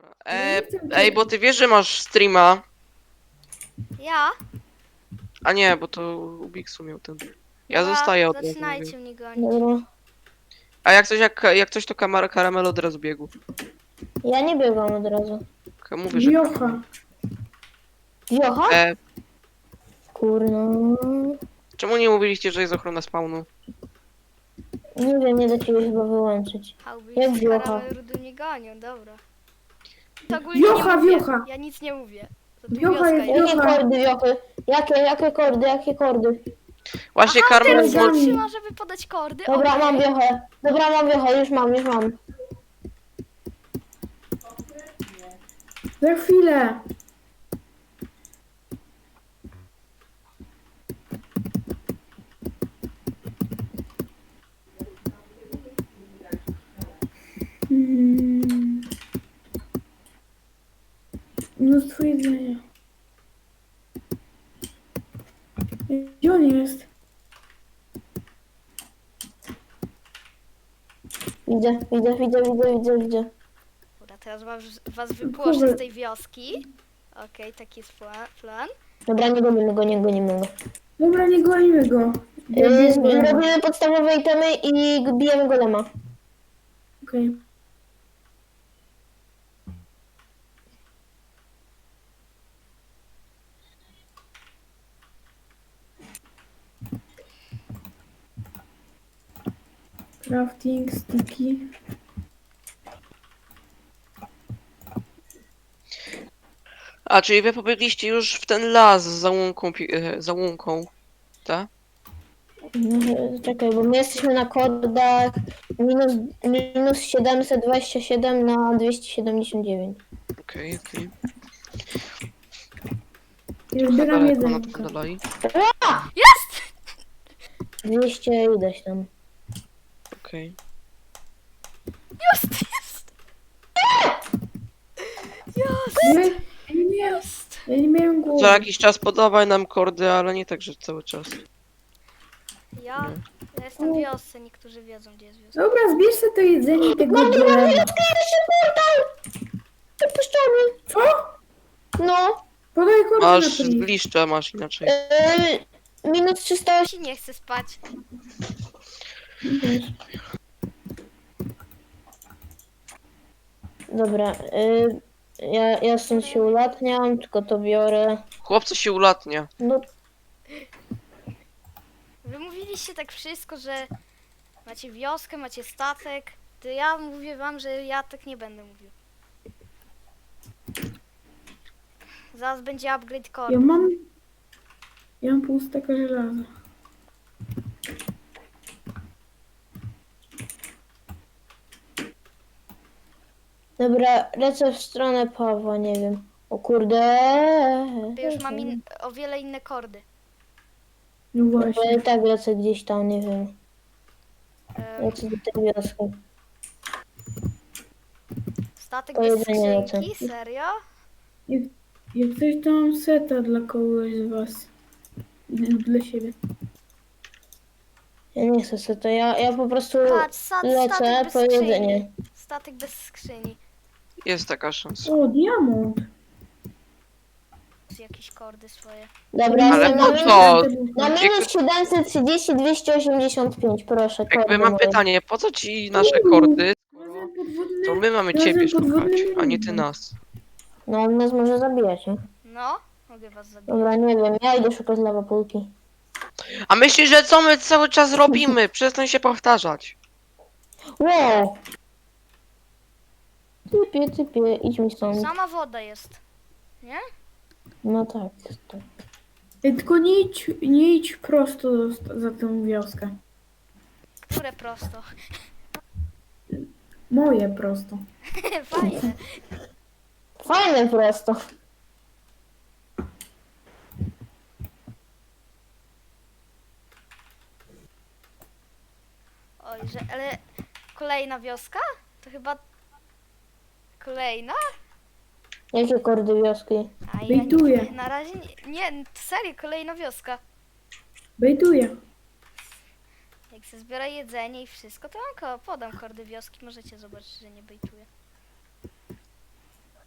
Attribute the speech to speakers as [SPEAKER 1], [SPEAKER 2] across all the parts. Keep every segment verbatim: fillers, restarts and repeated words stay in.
[SPEAKER 1] E,
[SPEAKER 2] nie chcę
[SPEAKER 1] ej, bo ty wiesz, że masz streama.
[SPEAKER 3] Ja?
[SPEAKER 1] A nie, bo to Ubiksu miał ten. Ja
[SPEAKER 3] Dobra,
[SPEAKER 1] zostaję od razu, mówię.
[SPEAKER 3] zaczynajcie mnie gonić.
[SPEAKER 4] Dobra.
[SPEAKER 1] A jak coś, jak, jak coś to kamara karamel od razu biegł.
[SPEAKER 4] Ja nie biegam od razu.
[SPEAKER 1] Ka- Mówię, że
[SPEAKER 2] Wiocha.
[SPEAKER 4] Wiocha?
[SPEAKER 1] e,
[SPEAKER 4] Kurno.
[SPEAKER 1] czemu nie mówiliście, że jest ochrona spawnu?
[SPEAKER 4] Nie wiem, nie da ciebie chyba wyłączyć.
[SPEAKER 3] Hałby
[SPEAKER 4] Jak
[SPEAKER 3] z
[SPEAKER 4] wiocha?
[SPEAKER 3] karamy rudu nie gonią, dobra. To ogólnie
[SPEAKER 2] Wiocha,
[SPEAKER 3] nie mówię.
[SPEAKER 2] wiocha.
[SPEAKER 3] Ja nic nie mówię. To tu
[SPEAKER 2] Wiocha
[SPEAKER 3] wioska
[SPEAKER 2] jest
[SPEAKER 3] jest.
[SPEAKER 4] Jakie
[SPEAKER 2] Wiocha.
[SPEAKER 4] kordy, wiochy? Jakie, jakie kordy, jakie kordy?
[SPEAKER 1] Właśnie
[SPEAKER 3] Aha,
[SPEAKER 1] karmel
[SPEAKER 3] teraz
[SPEAKER 2] Karmel
[SPEAKER 3] się
[SPEAKER 2] z-
[SPEAKER 3] trzyma, żeby podać kordy.
[SPEAKER 4] Dobra,
[SPEAKER 3] okej.
[SPEAKER 4] mam wiochę. Dobra, mam wiochę, już mam, już mam.
[SPEAKER 2] Za chwilę. Mm. Mnóstwo jedzenia. Gdzie on jest?
[SPEAKER 4] Widzę, widzę, widzę, widzę, widzę, widzę.
[SPEAKER 3] Dobra, teraz was, was wypłoszę z tej wioski. Okej, taki jest pla- plan.
[SPEAKER 4] Dobra, nie gonimy go, nie gonimy go.
[SPEAKER 2] Dobra, nie gonimy go.
[SPEAKER 4] Yy, Robimy podstawowe itemy i bijemy golema.
[SPEAKER 2] Okej. Crafting, sticky.
[SPEAKER 1] A, czyli wy pobiegliście już w ten las z załąką, pi- e, załąką, tak?
[SPEAKER 4] No, czekaj, bo my jesteśmy na kordach minus, minus siedemset dwadzieścia siedem na dwieście siedemdziesiąt dziewięć.
[SPEAKER 1] Okej, okej.
[SPEAKER 2] Ja
[SPEAKER 1] Trochę
[SPEAKER 2] zbieram
[SPEAKER 1] daleko na
[SPEAKER 2] jedzenie.
[SPEAKER 1] to dalej.
[SPEAKER 3] Jest!
[SPEAKER 4] dwieście ileś tam.
[SPEAKER 1] Okej.
[SPEAKER 3] Jest! Jest! Jest!
[SPEAKER 2] Nie, ja nie,
[SPEAKER 3] Jest!
[SPEAKER 2] ja nie miałem
[SPEAKER 1] Za
[SPEAKER 2] głowy.
[SPEAKER 1] jakiś czas podawaj nam kordy, ale nie tak, że cały czas.
[SPEAKER 3] Ja, ja jestem w wiosce, niektórzy wiedzą, gdzie jest wioska.
[SPEAKER 2] Dobra, zbierz sobie to jedzenie i tego golema.
[SPEAKER 4] Pierwszy portal! Wypuszczony!
[SPEAKER 2] Co?
[SPEAKER 4] No,
[SPEAKER 2] Podaj
[SPEAKER 1] Masz
[SPEAKER 2] koordynaty.
[SPEAKER 1] zbliszcza, masz inaczej.
[SPEAKER 4] yy, minus trzysta
[SPEAKER 3] Ci nie chcę spać.
[SPEAKER 2] Wiesz.
[SPEAKER 4] Dobra, yy, ja, ja stąd się ulatniam, tylko to biorę.
[SPEAKER 1] Chłopcy się ulatnia.
[SPEAKER 4] No,
[SPEAKER 3] Wy mówiliście tak wszystko, że macie wioskę, macie statek. To ja mówię wam, że ja tak nie będę mówił. Zaraz będzie upgrade core.
[SPEAKER 2] Ja mam... Ja mam pół staka żelaza.
[SPEAKER 4] dobra, lecę w stronę Pawła, nie wiem. O kurde.
[SPEAKER 3] Ja już mam in, o wiele inne kordy.
[SPEAKER 2] No
[SPEAKER 4] Bo
[SPEAKER 2] właśnie.
[SPEAKER 4] ja i tak lecę gdzieś tam, nie wiem.
[SPEAKER 3] Em,
[SPEAKER 4] Lecę do tej wioski.
[SPEAKER 3] statek
[SPEAKER 4] O
[SPEAKER 3] bez
[SPEAKER 4] jedzenie lecę.
[SPEAKER 3] skrzynki? Serio?
[SPEAKER 2] Jak, jak coś to mam seta dla kogoś z was. Lub dla siebie.
[SPEAKER 4] Ja nie chcę sobie to, ja, ja po prostu
[SPEAKER 3] Patrz, sta-
[SPEAKER 4] lecę
[SPEAKER 3] statek bez
[SPEAKER 4] po
[SPEAKER 3] skrzyni.
[SPEAKER 4] jedzenie.
[SPEAKER 3] Statek bez skrzyni.
[SPEAKER 1] Jest taka szansa.
[SPEAKER 2] O, diamont.
[SPEAKER 3] Jakieś kordy swoje.
[SPEAKER 4] Dobra,
[SPEAKER 1] Ale
[SPEAKER 4] jestem na
[SPEAKER 1] po
[SPEAKER 4] minus,
[SPEAKER 1] co?
[SPEAKER 4] na minus siedemset trzydzieści, dwieście osiemdziesiąt pięć, proszę.
[SPEAKER 1] Jakby
[SPEAKER 4] kordy
[SPEAKER 1] mam
[SPEAKER 4] moje.
[SPEAKER 1] pytanie, po co ci nasze kordy, skoro
[SPEAKER 2] Razem podwodny.
[SPEAKER 1] to my mamy
[SPEAKER 2] Razem
[SPEAKER 1] ciebie szukać,
[SPEAKER 2] podwodnymi
[SPEAKER 1] a nie ty
[SPEAKER 2] ludźmi.
[SPEAKER 1] nas.
[SPEAKER 4] No on nas może zabijać, nie?
[SPEAKER 3] No, mogę was zabić.
[SPEAKER 4] Dobra, nie wiem, ja idę szukać lawapulki.
[SPEAKER 1] A myślisz, że co my cały czas robimy? Przestań się powtarzać.
[SPEAKER 4] Wow! Typie, typie, idź mi stąd.
[SPEAKER 3] Sama woda jest. Nie?
[SPEAKER 4] No tak, tak.
[SPEAKER 2] Ej, tylko nie idź, nie idź prosto za tę wioskę.
[SPEAKER 3] Które prosto.
[SPEAKER 2] Moje prosto.
[SPEAKER 3] Fajne.
[SPEAKER 4] Fajne prosto.
[SPEAKER 3] Oj, że, ale kolejna wioska? To chyba kolejna?
[SPEAKER 4] Jakie kordy wioski?
[SPEAKER 3] A ja
[SPEAKER 2] Bejtuję.
[SPEAKER 3] nie, na razie nie, nie, serio, kolejna wioska.
[SPEAKER 2] Bejduję.
[SPEAKER 3] Jak się zbiera jedzenie i wszystko, to mam ko- podam kordy wioski, możecie zobaczyć, że nie bejtuję.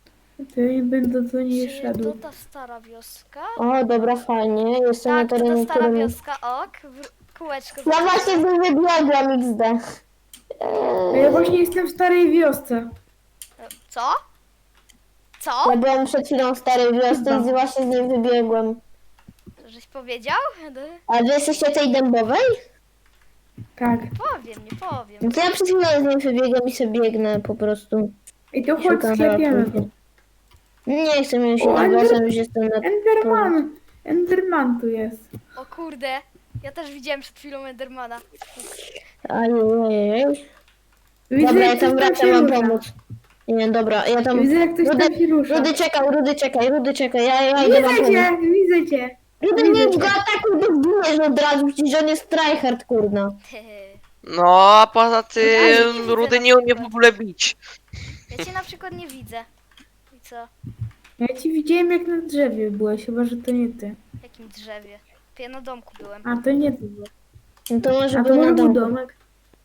[SPEAKER 2] To ja nie będę do niej
[SPEAKER 3] Czy
[SPEAKER 2] szedł.
[SPEAKER 3] to ta stara wioska?
[SPEAKER 4] O, dobra, fajnie. Jestem
[SPEAKER 3] Tak,
[SPEAKER 4] na
[SPEAKER 3] to ta
[SPEAKER 4] terenie,
[SPEAKER 3] stara
[SPEAKER 4] którym...
[SPEAKER 3] wioska, ok. W- Kółeczko.
[SPEAKER 4] Ja właśnie z nim wybiegłam X D.
[SPEAKER 2] A ja właśnie jestem w starej wiosce.
[SPEAKER 3] Co? Co?
[SPEAKER 4] Ja byłam przed chwilą w starej wiosce
[SPEAKER 2] Chyba.
[SPEAKER 4] i właśnie z nim wybiegłem.
[SPEAKER 3] To żeś powiedział?
[SPEAKER 4] A wy jesteście tej dębowej?
[SPEAKER 2] Tak.
[SPEAKER 3] Powiem, nie powiem.
[SPEAKER 4] No to ja przed chwilą z nim wybiegłem i sobie biegnę po prostu.
[SPEAKER 2] I to chodź
[SPEAKER 4] Szukam
[SPEAKER 2] sklepiemy go.
[SPEAKER 4] ratunku. Nie chcę mieć się
[SPEAKER 2] O,
[SPEAKER 4] na
[SPEAKER 2] Ender-
[SPEAKER 4] głosem, już jestem na...
[SPEAKER 2] Enderman! Enderman tu jest.
[SPEAKER 3] O kurde, ja też widziałem przed chwilą Endermana.
[SPEAKER 4] Ajajaj.
[SPEAKER 2] Widzę,
[SPEAKER 4] Dobra, ja
[SPEAKER 2] jak
[SPEAKER 4] tam
[SPEAKER 2] ktoś
[SPEAKER 4] wracam,
[SPEAKER 2] się
[SPEAKER 4] mam
[SPEAKER 2] rusza.
[SPEAKER 4] pomóc. Nie, dobra, ja tam...
[SPEAKER 2] Widzę, jak ktoś
[SPEAKER 4] Rudy,
[SPEAKER 2] tam się rusza.
[SPEAKER 4] Rudy czekaj, Rudy czekaj, Rudy czekaj, ja, ja idę wam
[SPEAKER 2] Widzę
[SPEAKER 4] pomóc.
[SPEAKER 2] cię, widzę cię.
[SPEAKER 4] Rudy,
[SPEAKER 2] Widzę
[SPEAKER 4] nie
[SPEAKER 2] cię.
[SPEAKER 4] go atakuj, bo zginiesz od razu, przecież on jest tryhard, kurna.
[SPEAKER 1] No, a poza
[SPEAKER 3] Ja
[SPEAKER 1] tym
[SPEAKER 3] nie widzę
[SPEAKER 1] Rudy
[SPEAKER 3] na
[SPEAKER 1] nie umie w
[SPEAKER 3] przykład.
[SPEAKER 1] ogóle bić.
[SPEAKER 3] Ja cię na przykład nie widzę. I co?
[SPEAKER 2] Ja ci widziałem, jak na drzewie byłeś, chyba, że to nie ty.
[SPEAKER 3] W jakim drzewie? To ja na domku byłem.
[SPEAKER 2] A, to nie ty byłeś.
[SPEAKER 4] No to może
[SPEAKER 2] A to
[SPEAKER 4] był
[SPEAKER 2] może
[SPEAKER 4] na
[SPEAKER 2] był
[SPEAKER 4] domu.
[SPEAKER 2] domek.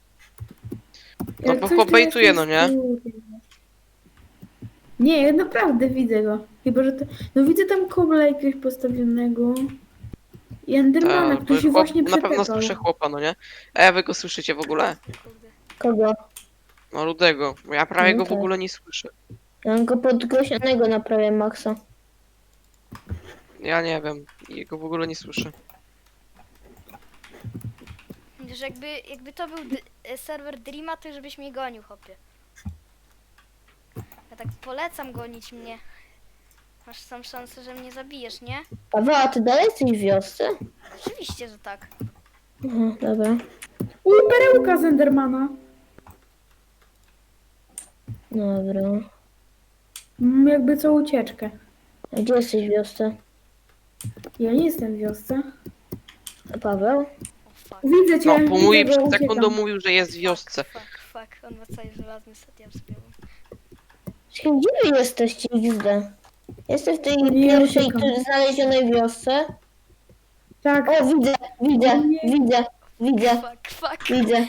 [SPEAKER 1] No
[SPEAKER 2] Jak
[SPEAKER 1] bo
[SPEAKER 2] coś, to
[SPEAKER 1] pobejtuje,
[SPEAKER 2] jestem
[SPEAKER 1] no nie?
[SPEAKER 2] z tyłu. Nie, ja naprawdę widzę go. Chyba, że to... No widzę tam kobla jakiegoś postawionego. I Endermana,
[SPEAKER 1] Tak,
[SPEAKER 2] który się
[SPEAKER 1] chłop,
[SPEAKER 2] właśnie
[SPEAKER 1] na pewno
[SPEAKER 2] przepychał.
[SPEAKER 1] słyszę chłopa, no nie? A wy go słyszycie w ogóle?
[SPEAKER 3] Kurde.
[SPEAKER 4] Kogo?
[SPEAKER 1] No Rudego, bo ja prawie
[SPEAKER 4] No
[SPEAKER 1] go w
[SPEAKER 4] tak.
[SPEAKER 1] ogóle nie słyszę.
[SPEAKER 4] Ja mam go podgłośnionego naprawię, Maxa.
[SPEAKER 1] Ja nie wiem, jego w ogóle nie słyszę.
[SPEAKER 3] Że jakby, jakby to był d- e, serwer Dreama, to już byś mnie gonił, hopie. Ja tak polecam gonić mnie. Masz tam szansę, że mnie zabijesz, nie?
[SPEAKER 4] Paweł, a ty dalej jesteś w wiosce?
[SPEAKER 3] Oczywiście, że tak.
[SPEAKER 4] Aha, dobra.
[SPEAKER 2] Uj, perełka z Endermana.
[SPEAKER 4] Dobra.
[SPEAKER 2] Mam jakby co ucieczkę.
[SPEAKER 4] A gdzie jesteś w wiosce?
[SPEAKER 2] Ja nie jestem w wiosce.
[SPEAKER 4] A Paweł?
[SPEAKER 3] O fuck.
[SPEAKER 2] Widzę cię,
[SPEAKER 1] No, bo
[SPEAKER 2] widzę
[SPEAKER 1] mówi
[SPEAKER 2] go,
[SPEAKER 1] przed
[SPEAKER 2] uciekam.
[SPEAKER 1] sekundą mówił, że jest w wiosce.
[SPEAKER 3] Fuck, fuck, on ma cały żelazny set, ja wspiąłem.
[SPEAKER 4] Czekaj, gdzie wy jesteście X D? Jestem w tej
[SPEAKER 2] Nie,
[SPEAKER 4] pierwszej
[SPEAKER 2] uciekam.
[SPEAKER 4] tu znalezionej wiosce.
[SPEAKER 2] Tak.
[SPEAKER 4] O, widzę, widzę,
[SPEAKER 2] Nie.
[SPEAKER 4] widzę, widzę,
[SPEAKER 3] Fuck, fuck.
[SPEAKER 4] widzę.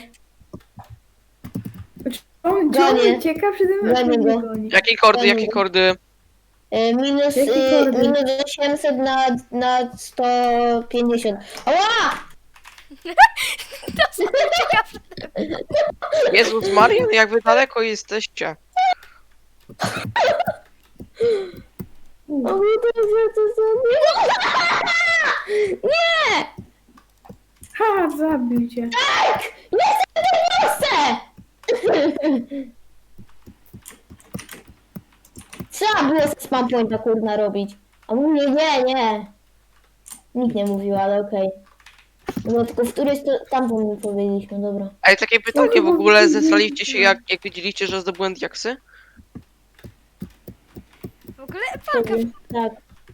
[SPEAKER 2] On, czy on
[SPEAKER 4] Gonię.
[SPEAKER 2] ucieka przede mną?
[SPEAKER 4] Gonię
[SPEAKER 2] czy mnie
[SPEAKER 4] go.
[SPEAKER 2] goni?
[SPEAKER 1] Jakie kordy, jakie kordy?
[SPEAKER 4] E, Minus,
[SPEAKER 2] Jakie
[SPEAKER 4] e,
[SPEAKER 2] kordy?
[SPEAKER 4] minus osiemset na, na sto pięćdziesiąt. Ała!
[SPEAKER 3] To sobie ucieka przede mną.
[SPEAKER 1] Jezus Marian, jak wy daleko jesteście?
[SPEAKER 2] U,
[SPEAKER 4] O, mój Boże, co za... Nie!
[SPEAKER 2] Ha, zabił cię.
[SPEAKER 4] Jestem w tej wiosce! Trzeba było ze spam pointa kurna robić. A mówię, nie, nie. Nikt nie mówił, ale okej. No tylko w którejś to tamtą mi powiedzieliśmy, dobra.
[SPEAKER 1] Ej, takie pytanie, w
[SPEAKER 2] chyba
[SPEAKER 1] ogóle
[SPEAKER 2] widzę,
[SPEAKER 1] zesraliście się
[SPEAKER 2] że-
[SPEAKER 1] jak, jak widzieliście, że zdobyłem diaksy?
[SPEAKER 3] W ogóle palka.
[SPEAKER 4] Tak.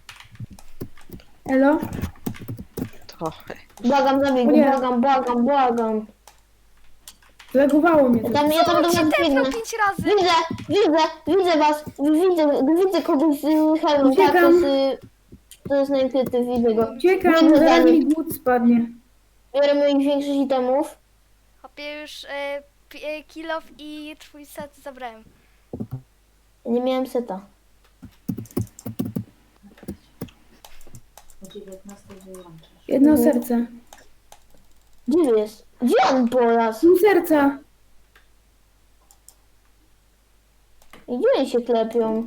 [SPEAKER 2] Elo?
[SPEAKER 1] To...
[SPEAKER 4] Błagam, zabij go,
[SPEAKER 2] Nie.
[SPEAKER 4] błagam, błagam, błagam.
[SPEAKER 2] Zlegowało mnie
[SPEAKER 4] Ja
[SPEAKER 2] to.
[SPEAKER 4] tam, ja tam do
[SPEAKER 3] On
[SPEAKER 4] was
[SPEAKER 3] cię
[SPEAKER 4] biegnę.
[SPEAKER 3] tepnął pięć razy.
[SPEAKER 4] Widzę, widzę, widzę was, widzę, widzę kogoś z hełmem, tak, to
[SPEAKER 2] Uciekam.
[SPEAKER 4] jest, y, to jest najkryty, widzę go.
[SPEAKER 2] Uciekam,
[SPEAKER 4] Biegnę za
[SPEAKER 2] zaraz
[SPEAKER 4] nim.
[SPEAKER 2] mi głód spadnie.
[SPEAKER 4] Biorę moich większych itemów.
[SPEAKER 3] Hopie już e, pi- e, kill off i twój set zabrałem.
[SPEAKER 4] Nie miałem seta.
[SPEAKER 2] Jedno
[SPEAKER 4] Mhm.
[SPEAKER 2] serce.
[SPEAKER 4] Gdzie jest? Gdzie on polazł?
[SPEAKER 2] Pół serca.
[SPEAKER 4] I gdzie oni się klepią?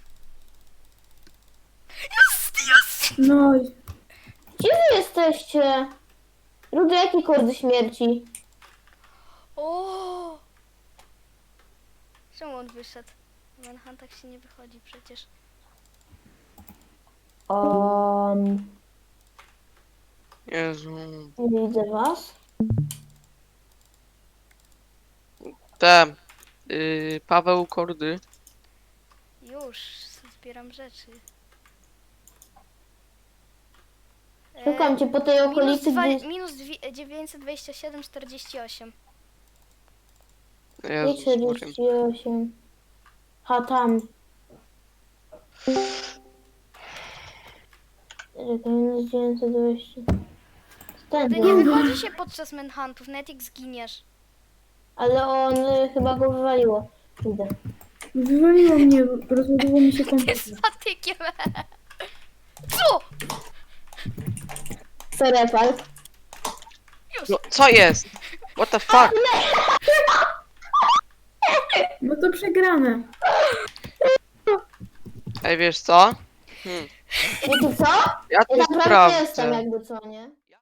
[SPEAKER 2] No,
[SPEAKER 4] Gdzie wy jesteście? Ludzie, jakie kordy śmierci?
[SPEAKER 3] O! Czemu on wyszedł? W Manhuntach się nie wychodzi przecież.
[SPEAKER 4] Um,
[SPEAKER 1] Jezu...
[SPEAKER 4] nie widzę was.
[SPEAKER 1] Te... Yy, Paweł kordy.
[SPEAKER 3] Już, zbieram rzeczy. E,
[SPEAKER 4] Szukam cię po tej
[SPEAKER 3] minus,
[SPEAKER 4] okolicy,
[SPEAKER 3] dwa,
[SPEAKER 4] gdzie...
[SPEAKER 3] minus dwie- dziewięćset dwadzieścia siedem czterdzieści osiem.
[SPEAKER 1] Jezus Marian.
[SPEAKER 4] czterdzieści osiem. Ha, tam. Czekaj, minus dziewięćset dwadzieścia. Ten,
[SPEAKER 3] Ty nie wychodzi się podczas Manhuntów, nawet jak zginiesz.
[SPEAKER 4] ale on y, chyba go wywaliło. Idę.
[SPEAKER 2] Wywaliło mnie, rozładowało mi się komputer.
[SPEAKER 3] Jest patykiem. Co?
[SPEAKER 4] Sorry, pal.
[SPEAKER 3] Już.
[SPEAKER 1] No, co jest? What the fuck?
[SPEAKER 2] No to przegrane.
[SPEAKER 1] Ej, wiesz co? Hmm.
[SPEAKER 4] Wiecie co?
[SPEAKER 1] Ja
[SPEAKER 4] Ja
[SPEAKER 1] tu
[SPEAKER 4] naprawdę
[SPEAKER 1] sprawdzę.
[SPEAKER 4] jestem jakby co, nie?